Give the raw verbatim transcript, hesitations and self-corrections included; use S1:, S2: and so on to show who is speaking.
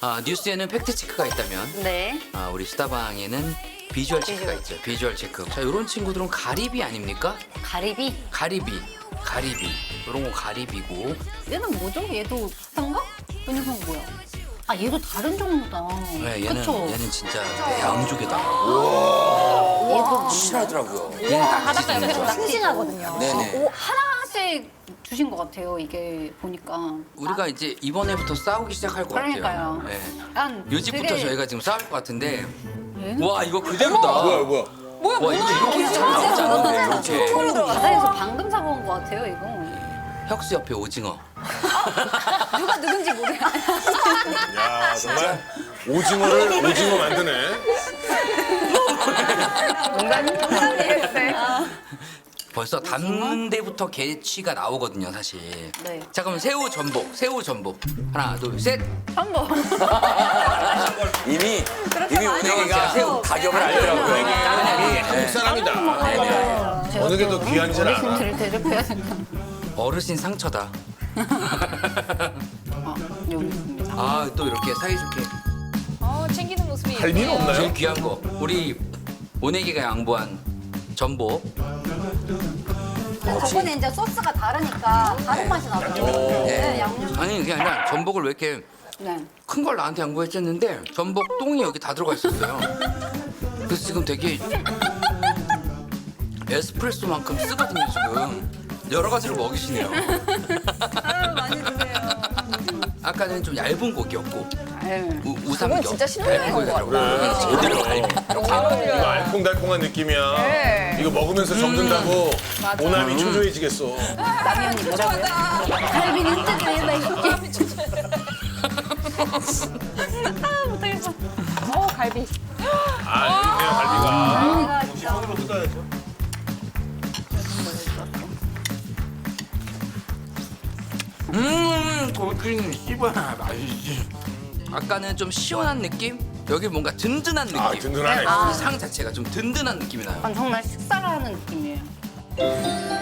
S1: 아, 뉴스에는 팩트 체크가 있다면
S2: 네.
S1: 아, 우리 수다방에는 비주얼 체크가 있죠. 비주얼 체크. 자, 이런 친구들은 가리비 아닙니까?
S2: 가리비.
S1: 가리비, 가리비. 이런 거 가리비고.
S2: 얘는 뭐죠? 얘도 비슷한가? 이 녀석은 뭐야? 아 얘도 다른 종류다.
S1: 네, 얘는
S2: 그쵸?
S1: 얘는 진짜 양쪽에다.
S2: 얘도
S3: 실하더라고요.
S1: 얘는
S2: 바닷가
S1: 낙지
S2: 옆에서
S1: 진짜.
S2: 싱싱하거든요.
S3: 네네.
S2: 오, 하나씩 주신 것 같아요. 이게 보니까.
S1: 우리가 이제 이번에부터 싸우기 시작할 것
S2: 그러니까요.
S1: 같아요. 네.
S2: 난
S1: 요집부터
S2: 되게-
S1: 저희가 지금 싸울 것 같은데.
S2: 얘는?
S1: 와, 이거 그대로다.
S3: 뭐야 뭐야.
S1: 와, 이거 이렇게 잘 나오지 않는데 이렇게.
S2: 바다에서 방금 잡아온 것 같아요. 이거.
S1: 혁수 옆에 오징어.
S2: 누가 누군지 모르.
S4: 야 정말 오징어를 오징어 만드네.
S1: 벌써 담는 데부터 개취가 나오거든요, 사실.
S2: 네.
S1: 자, 그럼 새우 전복, 새우 전복. 하나, 둘, 셋.
S2: 한번.
S3: 이미 이미 은행이가
S1: 새우.
S3: 가격을 알더라고요.
S4: 이 한국 사람이다. 어느 게 더 귀한지 알아.
S2: 어르신들을 대접해야 된다.
S1: 어르신 상처다.
S2: 아, 여기 있습니다.
S1: 아, 또 이렇게 사이좋게.
S5: 어, 챙기는 모습이
S4: 할비는
S5: 예쁘네요.
S4: 없나요?
S1: 제일 귀한 거. 우리 오네기가 양보한 전복.
S2: 저번에 이제 소스가 다르니까 다른 맛이 나죠. 네, 양념.
S1: 아니, 그게 아니라 전복을 왜 이렇게
S2: 네.
S1: 큰 걸 나한테 양보했었는데 전복 똥이 여기 다 들어가 있었어요. 그래서 지금 되게 에스프레소만큼 쓰거든요, 지금. 여러 가지로 먹이시네요.
S5: 많이 드세요.
S1: 아까는 좀 얇은 고기였고
S2: 아유.
S1: 우, 우삼겹.
S5: 진짜 신혼여행
S1: 얇은
S5: 온것
S1: 고기더라고요. 제대로 갈비.
S4: 이거 알콩달콩한 느낌이야.
S5: 네.
S4: 이거 먹으면서 적는다고 오남이 초조해지겠어.
S2: 남이 언니 뭐라고요? 갈비는 진짜 맛있게. 아, 못하겠어.
S5: 어, 갈비.
S4: 아 여기 있네요 갈비가.
S2: 갈비가 진짜.
S1: 음, 고기는 씹어야 맛있지. 아까는 좀 시원한 느낌? 여기 뭔가 든든한 느낌.
S4: 아 든든하네.
S1: 이 상 자체가 좀 든든한 느낌이 나요.
S2: 아, 정말 식사를 하는 느낌이에요.